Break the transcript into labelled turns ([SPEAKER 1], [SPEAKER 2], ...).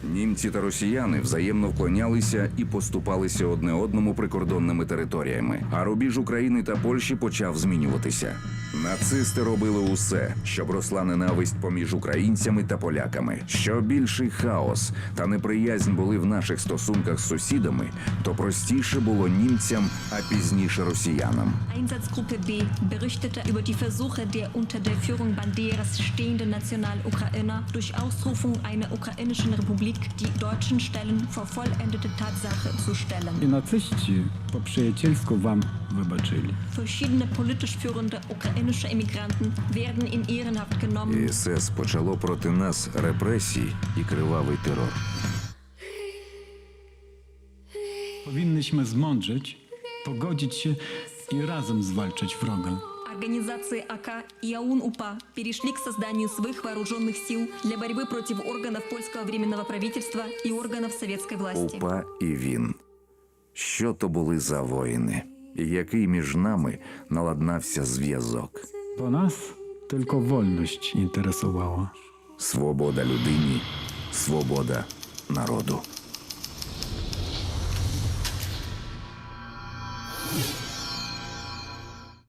[SPEAKER 1] Німці та росіяни взаємно вклонялися і поступалися одне одному прикордонними територіями, а рубіж України та Польщі почав змінюватися. Нацисти робили усе, щоб росла ненависть поміж українцями та поляками. Що більший хаос та неприязнь були в наших стосунках з сусідами, то простіше було німцям, а пізніше росіянам.
[SPEAKER 2] Einsatzgruppe B berichtete über die Versuche der unter der Führung Banderas stehenden National-Ukrainer, durch Ausrufung einer ukrainischen Republik die deutschen Stellen vor vollendete Tatsache zu stellen.
[SPEAKER 3] І нацисти по-приятельську вам вибачили.
[SPEAKER 2] Verschiedene politisch führende ukrainische Emigranten werden in Ehrenhaft genommen.
[SPEAKER 1] СС почало проти нас репресії і кривавий терор.
[SPEAKER 3] Powinnyśmy zmądrzeć, pogodzić się i razem zwalczać wroga.
[SPEAKER 2] Организации АК и АУН-УПА перешли к созданию своих вооруженных сил для борьбы против органов польского временного правительства и органов советской власти.
[SPEAKER 1] УПА і він. Що то були за воїни? І який між нами наладнався зв'язок?
[SPEAKER 3] Bo nas tylko wolność interesowała.
[SPEAKER 1] Свобода людині, свобода народу.